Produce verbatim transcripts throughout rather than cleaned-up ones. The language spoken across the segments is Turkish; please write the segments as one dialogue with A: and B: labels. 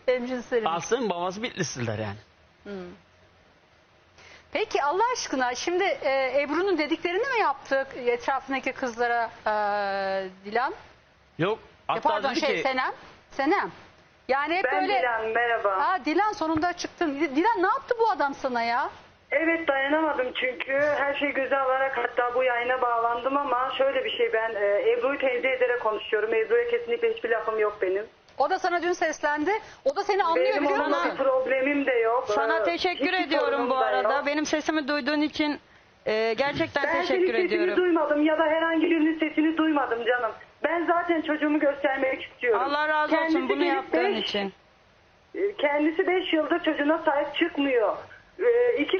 A: Hemcinserim.
B: Aslı'nın babası Bitlisliler yani.
A: Hmm. Peki Allah aşkına şimdi e, Ebru'nun dediklerini mi yaptık etrafındaki kızlara e, Dilan?
B: Yok.
A: E,
B: Hatta
A: pardon
B: dedi
A: şey
B: ki
A: Senem. Senem. Yani hep
C: Ben
A: böyle...
C: Dilan, merhaba.
A: Aa, Dilan sonunda çıktın. Dilan ne yaptı bu adam sana ya?
C: Evet, dayanamadım çünkü her şeyi göze alarak hatta bu yayına bağlandım ama şöyle bir şey, ben e, Ebru'yu tenzih ederek konuşuyorum. Ebru'ya kesinlikle hiçbir lafım yok benim.
A: O da sana dün seslendi. O da seni anlıyor
C: Benim
A: biliyor
C: onunla
A: musun?
C: bir problemim de yok.
D: Sana
C: Ee,
D: teşekkür
C: hiçbir
D: ediyorum
C: sorunum
D: bu
C: da
D: arada.
C: yok.
D: Benim sesimi duyduğun için e, gerçekten
C: Ben
D: teşekkür
C: senin sesini
D: ediyorum.
C: duymadım ya da herhangi birinin sesini duymadım canım. Ben zaten çocuğumu göstermek istiyorum.
D: Allah razı olsun
C: Kendisi
D: bunu
C: gelip
D: yaptığın
C: beş-
D: için.
C: e, Kendisi beş yıldır çocuğuna sahip çıkmıyor. Ee, iki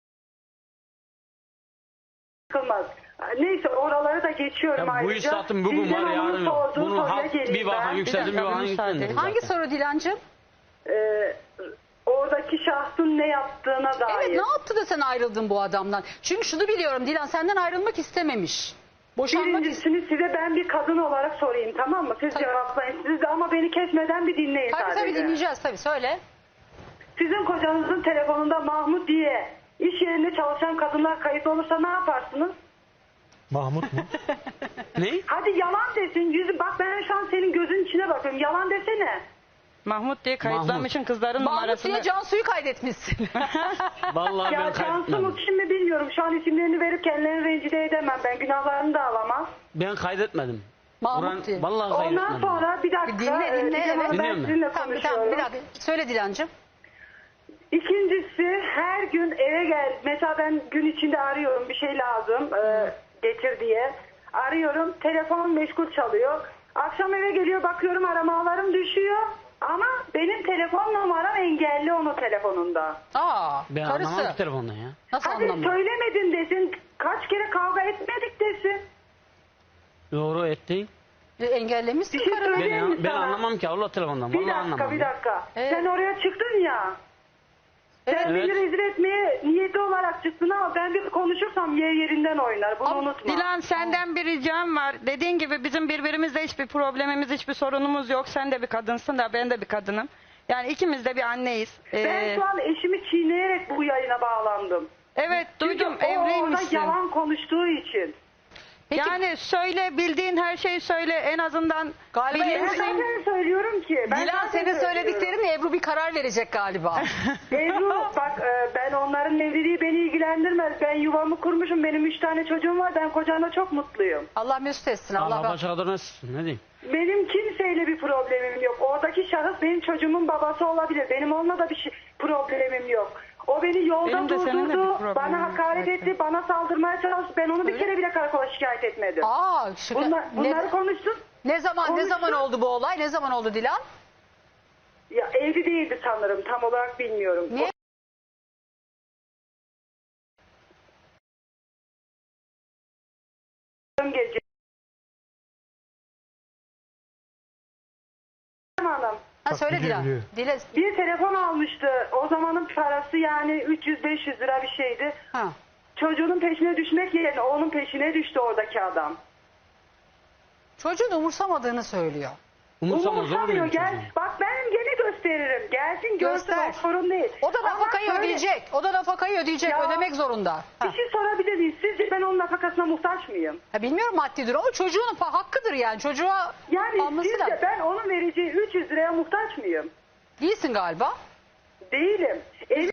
C: çıkılmaz. Neyse, oraları da geçiyorum
B: ya bu
C: ayrıca.
B: iş zaten bugün
C: Sizden
B: var
C: onun
B: yarın yok.
C: sorduğu
B: Bunu
C: soruya
B: halk
C: geleyim
B: bir bakın
C: ben.
B: yükseldi bir
D: dakika,
B: bakın
D: bir müsaade.
B: yükseldi.
A: Hangi soru Dilancığım?
C: Ee, oradaki şahsın ne yaptığına dair.
A: Evet, ne yaptı da sen ayrıldın bu adamdan? Çünkü şunu biliyorum, Dilan senden ayrılmak istememiş. Boşanmak ist-
C: Birincisini size ben bir kadın olarak sorayım, tamam mı? Siz
A: Tabii.
C: cevaplayın. Siz de ama beni kesmeden bir dinleyin
A: Tabii
C: sadece.
A: tabii dinleyeceğiz tabii, söyle.
C: Sizin kocanızın telefonunda Mahmut diye iş yerinde çalışan kadınlar kayıtlı olursa ne yaparsınız?
E: Mahmut mu?
B: Ne?
C: Hadi yalan desin. Yüzü, bak ben şu an senin gözün içine bakıyorum. Yalan desene.
D: Mahmut diye kayıtlamışın kızların
A: Mahmut
D: numarasını.
A: diye Cansu'yu kaydetmişsin.
B: Vallahi
C: Ya
B: ben
C: Cansu
B: kaydetmedim.
C: mu kim mi bilmiyorum. Şu an isimlerini verip kendilerini rencide edemem. Ben günahlarını da alamam.
B: Ben kaydetmedim.
A: Mahmut
B: Kur'an-
A: diye.
B: Vallahi
C: Ondan
B: kaydetmedim.
C: sonra bir dakika.
A: Bir dinle,
C: e,
A: dinle,
C: Didem Hanım,
A: evet.
C: ben
B: Dinliyorum ben.
C: sizinle
A: Tamam,
C: konuşuyorum.
A: tamam, bir dakika. Söyle Dilancığım.
C: İkincisi, her gün eve gel. Mesela ben gün içinde arıyorum, bir şey lazım e, getir diye. Arıyorum, telefon meşgul çalıyor. Akşam eve geliyor, bakıyorum aramalarım düşüyor. Ama benim telefon numaram engelli onun telefonunda.
A: Aa,
B: Ben anlamam
A: karısı.
B: ki telefondan ya.
A: Nasıl
C: Hadi
A: anlamıyor?
C: söylemedin desin, kaç kere kavga etmedik desin.
B: Doğru ettin.
A: E, engellemişsin
C: Bir şey
A: karını.
C: söyle- Söyleyeyim mi
B: Ben, ben
C: sana?
B: anlamam ki Allah telefondan.
C: Bir
B: Vallahi
C: dakika,
B: anlamam.
C: bir
B: ya.
C: dakika.
A: Evet.
C: Sen oraya çıktın ya. Sen
A: Evet.
C: beni rezil etmeye niyeti olarak çıktın ama ben bir konuşursam yer yerinden oynar. Bunu
A: Ama
C: unutma.
D: Dilan senden bir ricam var. Dediğin gibi bizim birbirimizle hiçbir problemimiz, hiçbir sorunumuz yok. Sen de bir kadınsın da ben de bir kadınım. Yani ikimiz de bir anneyiz. Ee,
C: Ben şu an eşimi çiğneyerek bu yayına bağlandım.
D: evet duydum,
C: Çünkü o orada
D: evliymişsin.
C: yalan konuştuğu için.
A: Peki,
D: Yani söyle, bildiğin her şeyi söyle. En azından
A: Galiba
C: Ben
D: bilinsin.
C: zaten söylüyorum ki. Ben
A: Dilan
C: zaten
A: senin
C: söylüyorum.
A: söylediklerini Ebru bir karar verecek galiba.
C: Ebru bak, e, ben onların evliliği beni ilgilendirmez. Ben yuvamı kurmuşum. Benim üç tane çocuğum var. Ben kocamla çok mutluyum.
A: Allah mesut etsin. Allah,
B: Allah
A: bak.
B: başa kadar nasılsın? Ne diyeyim?
C: Benim kimseyle bir problemim yok. Oradaki şahıs benim çocuğumun babası olabilir. Benim onunla da bir şey, problemim yok. O beni yolda
D: Benim de seninle bir
C: durdurdu.
D: problemim
C: Bana
D: yok
C: hakaret
D: zaten.
C: etti. Bana saldırmaya çalıştı. Ben onu bir kere bile karakola şikayet etmedim.
A: Aa, şu,
C: Bunlar, bunları
A: ne,
C: konuşsun.
A: ne zaman ne
C: konuşsun.
A: zaman oldu bu olay? Ne zaman oldu Dilan?
C: Ya evli değildi sanırım. Tam olarak bilmiyorum.
A: Niye?
C: O gece. Hanım.
A: Ha,
E: Bak,
A: söyle
E: biliyor,
A: Dilan.
E: biliyor.
A: Dile,
C: Bir telefon almıştı. O zamanın parası yani üç yüz beş yüz lira bir şeydi.
A: ha.
C: Çocuğunun peşine düşmek yerine onun peşine düştü oradaki adam.
A: Çocuğun umursamadığını söylüyor.
B: Umursamaz olur
C: Umursamıyor.
B: muyum
C: Gel,
B: çocuğum?
C: bak ben gene gösteririm. Gelsin görsün,
A: Göster.
C: o sorun değil.
A: O da
C: Ama
A: nafakayı
C: şöyle,
A: ödeyecek. O da nafakayı ödeyecek.
C: Ya,
A: Ödemek zorunda. Ha.
C: Bir şey sorabilir miyim? Sizce ben onun nafakasına muhtaç mıyım?
A: Ha, bilmiyorum maddi durum ama çocuğun pa- hakkıdır yani. Çocuğa
C: Yani
A: alması
C: sizce
A: lazım.
C: ben onun vereceği üç yüz liraya muhtaç mıyım?
A: Değilsin galiba.
C: Değilim. Ev,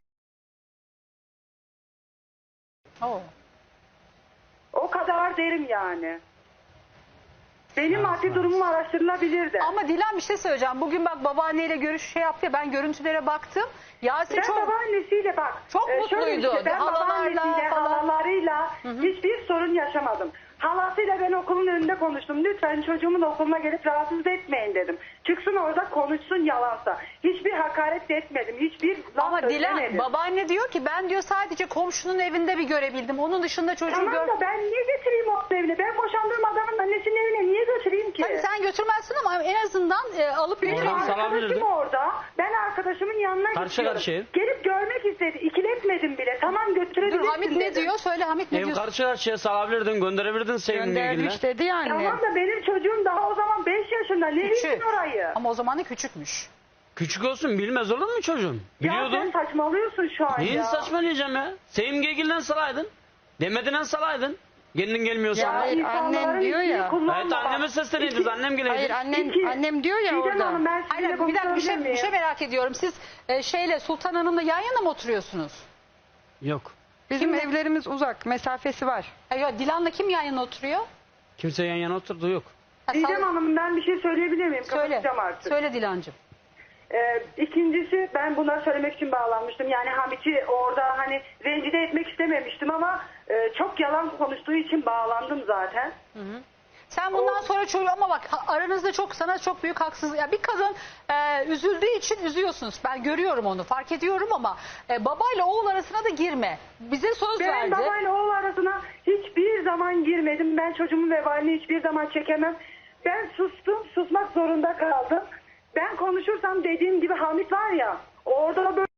A: Oo.
C: o kadar derim yani. Benim maddi durumum araştırılabilirdi.
A: Ama Dilan bir şey söyleyeceğim. Bugün bak babaanneyle görüş şey yaptı ya, ben görüntülere baktım. Yasin
C: Ben
A: çok
C: babaannesiyle bak.
A: Çok
C: e, şöyle
A: mutluydu.
C: işte, ben
A: Halalarla
C: babaannesiyle,
A: falan.
C: halalarıyla hiçbir sorun yaşamadım. Halasıyla ben okulun önünde konuştum. Lütfen çocuğumun okuluna gelip rahatsız etmeyin dedim. Çıksın orada konuşsun yalansa. Hiçbir hakaret de etmedim. Hiçbir laf
A: Ama Dilan
C: söylemedim.
A: babaanne diyor ki ben diyor sadece komşunun evinde bir görebildim. Onun dışında çocuğu
C: Tamam
A: gör...
C: da ben niye getireyim onun evine? Ben boşandığım adamın annesinin evine niye götüreyim ki?
A: Tabii sen götürmezsin ama en azından e, alıp
C: Benim
A: götürürsün.
B: Oradan salabilirdin.
C: arkadaşım orada. Ben arkadaşımın yanına
B: Karşı
C: gidiyorum.
B: karşıya.
C: Gelip görmek istedi. İkiletmedim bile. Tamam götürebilirsin
A: Dur Hamit ne
C: dedim.
A: diyor? Söyle Hamit ne
B: Ev
A: diyor?
B: karşı karşıya salabilirdin, gönderebilirdin sevgilini ilgili.
D: Göndermiş dedi yani.
C: Tamam da benim çocuğum daha o zaman beş yaşında. Ne
A: Küçük.
C: bilsin orayı?
A: Ama o zaman da küçükmüş.
B: Küçük olsun bilmez olur mu çocuğum?
C: Ya sen
B: Biliyordum.
C: saçmalıyorsun şu an
B: Neyin
C: ya.
B: saçmalayacağım ya? Sevimgegil'den salaydın. Demediğinden salaydın. Kendin gelmiyorsan.
D: Ya hayır,
C: İnsanların
D: annen diyor
C: ismini
D: ya.
C: kullanma
B: Evet
C: bak.
B: anneme sesleniydiniz.
C: İki-
B: Annem geleydi.
D: Hayır annem
C: İki-
D: annem diyor ya
C: Didem
D: orada.
C: Hanım, ben
A: Hayır,
C: sizinle
A: bir dakika bir şey,
C: konuşabilir
A: bir şey
C: miyim?
A: merak ediyorum. Siz e, şeyle Sultan Hanım'la yan yana mı oturuyorsunuz?
B: Yok.
D: Bizim evlerimiz uzak, mesafesi var.
A: Ha, yok, Dilan'la kim yan yana oturuyor?
B: Kimse yan yana oturdu yok.
A: Ha,
C: Didem
A: sal-
C: Hanım, ben bir şey söyleyebilir miyim?
A: söyle.
C: Kapatacağım artık.
A: Söyle Dilancığım.
C: Ee, ikincisi, ben bunları söylemek için bağlanmıştım. Yani Hamit'i orada hani rencide etmek istememiştim ama e, çok yalan konuştuğu için bağlandım zaten.
A: Sen bundan sonra çocuğu ama bak ha- aranızda çok sana çok büyük haksızlık. Ya bir kadın e, üzüldüğü için üzüyorsunuz. Ben görüyorum onu, fark ediyorum ama e, babayla oğul arasına da girme. Bize söz
C: Ben
A: verdi.
C: babayla oğul arasına hiçbir zaman girmedim. Ben çocuğumun vebalini hiçbir zaman çekemem. Ben sustum, susmak zorunda kaldım. Ben konuşursam dediğim gibi Hamit var ya, orada böyle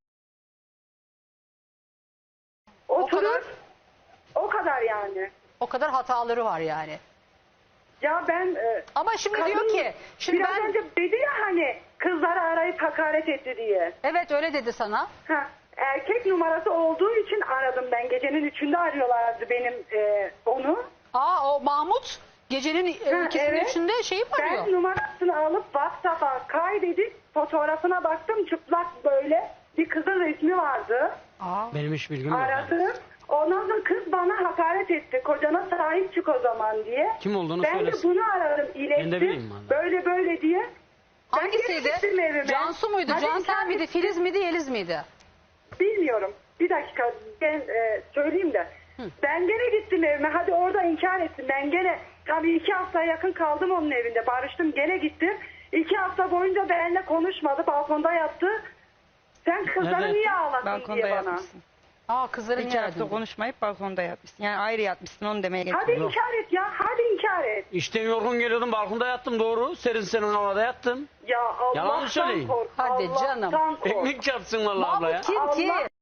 C: oturur.
A: kadar?
C: O kadar yani.
A: O kadar hataları var yani.
C: Ya ben e,
A: Ama şimdi
C: kadın-
A: diyor ki, şimdi
C: biraz
A: ben
C: önce dedi ya hani kızları arayıp hakaret etti diye.
A: evet öyle dedi sana.
C: Ha, erkek numarası olduğu için aradım ben. Gecenin üçünde arıyorlardı benim e, onu.
A: Aa o Mahmut gecenin e,
C: Ha,
A: ikisinin
C: evet.
A: üçünde şeyi mi arıyor?
C: Ben numarasını alıp WhatsApp'a kaydedip fotoğrafına baktım, çıplak böyle bir kızın resmi vardı.
A: Aa.
B: Benim hiç bilgim yok. yani.
C: Aradım. Ondan sonra kız bana hakaret etti. Kocana sahip çık o zaman diye.
B: Kim olduğunu
C: Ben
B: söylesin.
C: de bunu aradım,
B: Ben de bileyim
C: ilettim.
B: vallahi.
C: Böyle böyle diye. Ben geri
A: Hangisiydi?
C: gittim evime.
A: Cansu muydu?
C: Hadi
A: Cansel
C: inkar
A: miydi?
C: et-
A: Filiz miydi? Yeliz miydi?
C: Bilmiyorum. Bir dakika ben e, söyleyeyim de. Ben gene gittim evime. Hadi orada inkar ettim. Ben gene tabii iki haftaya yakın kaldım onun evinde. Barıştım, gene gittim. İki hafta boyunca benimle konuşmadı. Balkonda yattı. Sen kızları
B: Evet.
C: niye ağlattın
D: Balkonda
C: diye bana.
D: yatmışsın.
A: Aa kızların
D: İki hafta
A: yerdin.
D: konuşmayıp balkonda yatmışsın. Yani ayrı yatmışsın onu demeye
C: Hadi
D: getiriyorum.
C: inkar et ya. Hadi inkar et.
B: İşten yorgun geliyordum balkonda yattım doğru. Serin serin havada yattım.
C: Ya
B: Yalan mı
C: Allah'tan
B: söyleyin?
C: kork.
A: Hadi
C: Allah'tan
A: canım.
C: kork.
B: Ekmek çarpsın vallahi abla ya.
A: Mahmut kim ki?
C: Allah-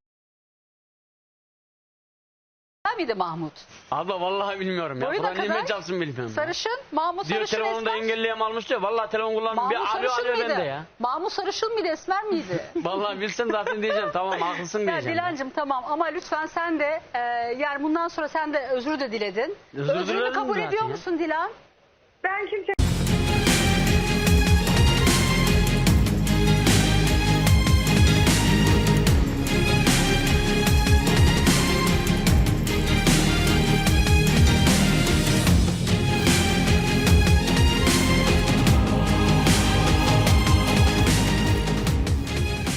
A: Sen miydi Mahmut?
B: Abla vallahi bilmiyorum ya.
A: Boyu da
B: Kur'an
A: kadar.
B: nimet çarpsın bilmiyorum. ya.
A: Sarışın. Mahmut
B: Diyor
A: Sarışın
B: telefonunu da
A: Esmer.
B: engelleyem almış diyor. Vallahi telefon kullanmıyorum. Bir
A: Mahmut
B: alo
A: Sarışın
B: alo
A: mıydı?
B: bende ya.
A: Mahmut Sarışın mıydı? Esmer miydi?
B: Vallahi bilsem zaten diyeceğim tamam haklısın
A: Ya
B: diyeceğim.
A: Dilancığım tamam ama lütfen sen de e, yani bundan sonra sen de özür de diledin.
B: Özür
A: Özrünü
B: diledim
A: kabul
B: zaten
A: ediyor
B: ya.
A: musun Dilan?
C: Ben kimse